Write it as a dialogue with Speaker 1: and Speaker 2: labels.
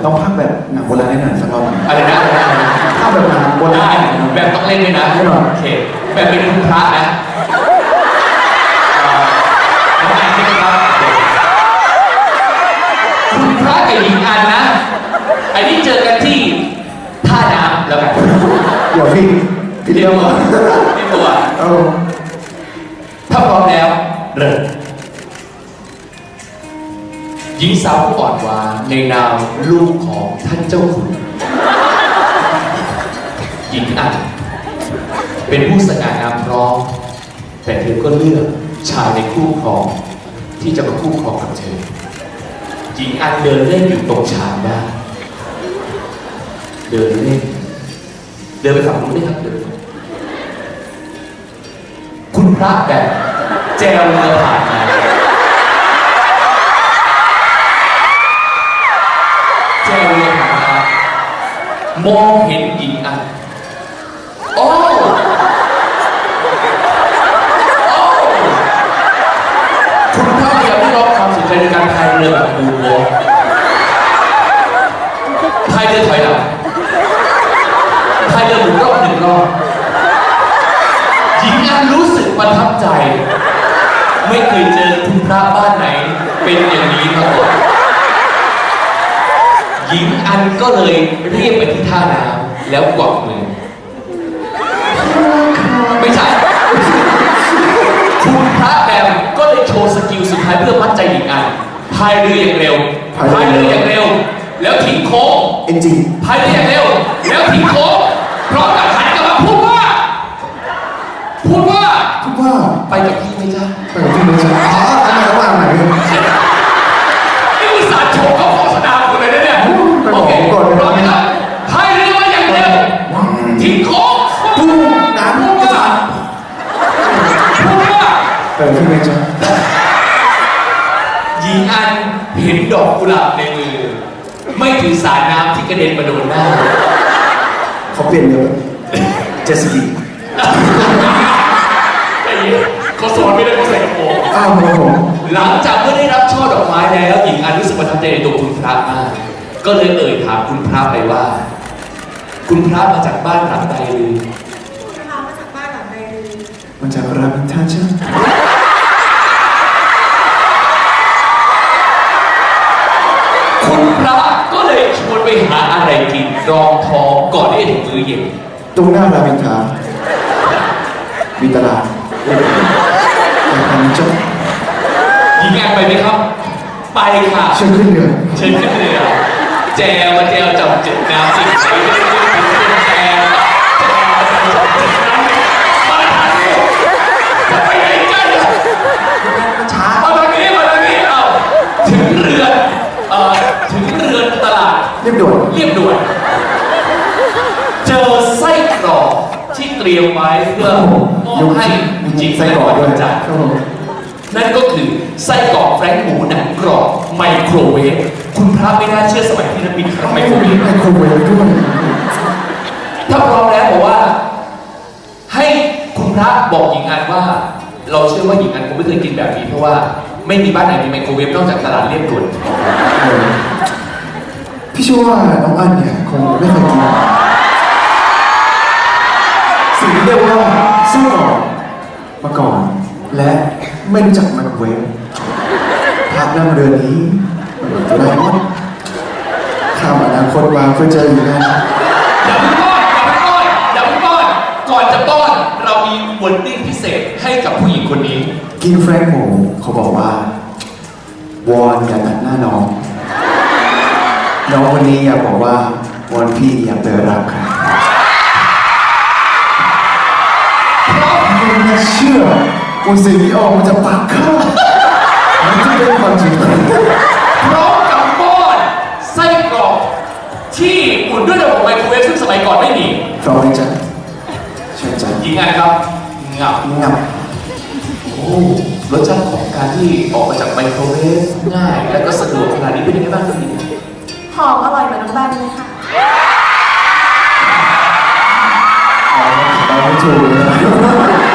Speaker 1: ต้องพากแบบหนังโบราณให้หน่อยสักรอบหนึ่ง
Speaker 2: อะไรนะ
Speaker 1: พากแบบหนังโบรา
Speaker 2: ได้
Speaker 1: ณ
Speaker 2: แบบต้องเล่นด้วยนะ
Speaker 1: แน่นอน
Speaker 2: โอเคแบบเป็นคุณพระนะน้องแอนใช่ไหมครับคุณพระกับหญิงอันนะไอ้นี่เจอกันที่ท่าน้ำแล้วกัน
Speaker 1: เดี๋ยวพี่เรื่องก่อน
Speaker 2: เตรียมตัว
Speaker 1: เอา
Speaker 2: ถ้าพร้อมแล้วเริ่มหญิงสาวผู้อ่อนหวานในนามลูกของท่านเจ้าขุนหญิงอันเป็นผู้สง่างามพร้อมแต่เธอก็เลือกชายในคู่ครองที่จะมาคู่ครองกับเธอหญิงอันเดินเล่นอยู่ตรงชานได้เดินเล่นเดินไปฝั่งนู้นได้ครับเดินคุณพระแบบแจวเรือผ่านมาแจวเรือผ่านมามองเห็นหญิงอันโอ้คุณพระพยายามได้รับความสนใจในการพายเรือแบบบูโบพายเรือถอยหลังพายเรือหมุนรอบหนึ่งรอบหญิงอันรู้สึกประทับใจไม่เคยเจอคุณพระบ้านไหนเป็นอย่างนี้มาก่อนหญิงอันก็เลยเรียกไปที่ท่าน้ำแล้วกวักมือไม่ใช่คุณพระแบมก็เลยโชว์สกิลสุดท้ายเพื่อมัดใจหญิงอันพายเรืออย่างเร็วพายเรืออย่างเร็วแล้วทิ้งโค้ง
Speaker 1: เอ็นจี
Speaker 2: พายเรืออย่างเร็วแล้วทิ้งโค้งพร้อมกับหันกลับมาพูดว่าไปกับพี่ไหมจ๊ะ
Speaker 1: ไปกับพี่เลยใช่ไหมอ๋ออันไหนว่าอันไหน
Speaker 2: นี่อุตส่าห์โชว์เขาโฆษณาคุณเลยนะเนี่ย
Speaker 1: ไปบอกผมก่อนเลย
Speaker 2: พร้อมไหมครับพายเรือมาอย่างเร็วทิ้งโค้ง
Speaker 1: พูดน้ำ
Speaker 2: พูด
Speaker 1: กระ
Speaker 2: ว่า
Speaker 1: สับ
Speaker 2: พูดว่า
Speaker 1: ไปกับพี่เลยใช่ไหม
Speaker 2: หญิงอันเห็นดอกกุหลาบในมือ ไม่ถือสารน้ำที่กระเด็นมาโดนหน้า
Speaker 1: เขาเปลี่ยนเยอะเจสซี่
Speaker 2: ไอ้เหี้ยเขาสอนไม่ได้เขาใส่กระโปรง
Speaker 1: อ้าวครับผม
Speaker 2: หลังจากเมื่อได้รับช่อดอกไม้แล้วหญิงอันรู้สึกประทับใจในตัวคุณพระมากก็เลยเอ่ยถามคุณพระไปว่า คุณพระมาจากบ้านหลังใดหรือ
Speaker 3: คุณพามาจากบ้านหลังใดหรือ
Speaker 1: มาจากรามอินทราใช่ไหม
Speaker 2: คุณพระก็เลยชวนไปหาอะไรกินรองท้องก่อนที่จะถึงมื้อเย็น
Speaker 1: ตรงหน้ารามอินทรามีตลาดแต่ทำเจ้า
Speaker 2: หญิงอันไปไหมครับ ไปค่ะ
Speaker 1: เชิญขึ้นเรือ
Speaker 2: เชิญขึ้นเรือแจวมาแจวจับจุดน้ำสิใส่เป็นแจวมาทางนี้จะไปไหนกันช้ามาทางนี้เอ้าถึงเรือนตลาด
Speaker 1: เรียบด่วน
Speaker 2: เรียบด่วนเจอไส้กรอกที่เตรียมไว้เพื่อมอบให้หญิง
Speaker 1: ไส้กรอกด้วย
Speaker 2: จาก
Speaker 1: ครับผม
Speaker 2: นั่นก็คือไส้กรอกแฟรงก์หมูหนังกรอบไมโครเวฟคุณพระไม่น่าเชื่อสมัยที่นักบินทำไมโครเวฟ
Speaker 1: ไมโครเวฟด้วย
Speaker 2: ถ้าพร้อมแล้วบอกว่า ให้คุณพระบอกหญิงอันว่า เราเชื่อว่าหญิงอันคงไม่เคยกินแบบนี้เพราะว่าไม่มีบ้านไหนมีไมโครเวฟนอกจากตลาดเรียบด่วน
Speaker 1: พี่เชื่อว่าน้องอันเนี่ยคงไม่เคยกินสิ่งที่เรียกว่าไส้กรอกมาก่อน และไม่รู้จักไมโครเวฟภาพนั่งเรือนี้มันจะได้ว่าข้ามอนาคตมาเพื่อเจออยู่นะ
Speaker 2: อย่าเพิ่งป้อนก่อนจะป้อนเรามีวอร์ดิ้งพิเศษให้กับผู้หญิงคนนี้
Speaker 1: กินแฟรงก์หมูเขาบอกว่าวอนอย่าตัดหน้าน้องน้องคนนี้อยากบอกว่าวอนพี่อย่าเปิดรับค่ะไม่น่าเชื่อว่าสิ่งที่ออกมาจากปากข้ามันจะเป็นความจริง
Speaker 2: พร้อมกับป้อนไส้กรอกที่อุ่นด้วยระบบไมโครเวฟซึ่งสมัยก่อนไม่มี
Speaker 1: พร้อมไหมจ๊ะเชิญจ๊ะ
Speaker 2: หญิงอันครับงับ
Speaker 1: งับ
Speaker 2: โอ้รสชาติของการที่ออกมาจากไมโครเวฟง่ายและก็สะดวกขนาดนี้เป็นยังไงบ้างครับพี่
Speaker 3: หอมอร่อยเหมือนน้องแบมเลยค่ะ
Speaker 1: เราไม่ถูกเลย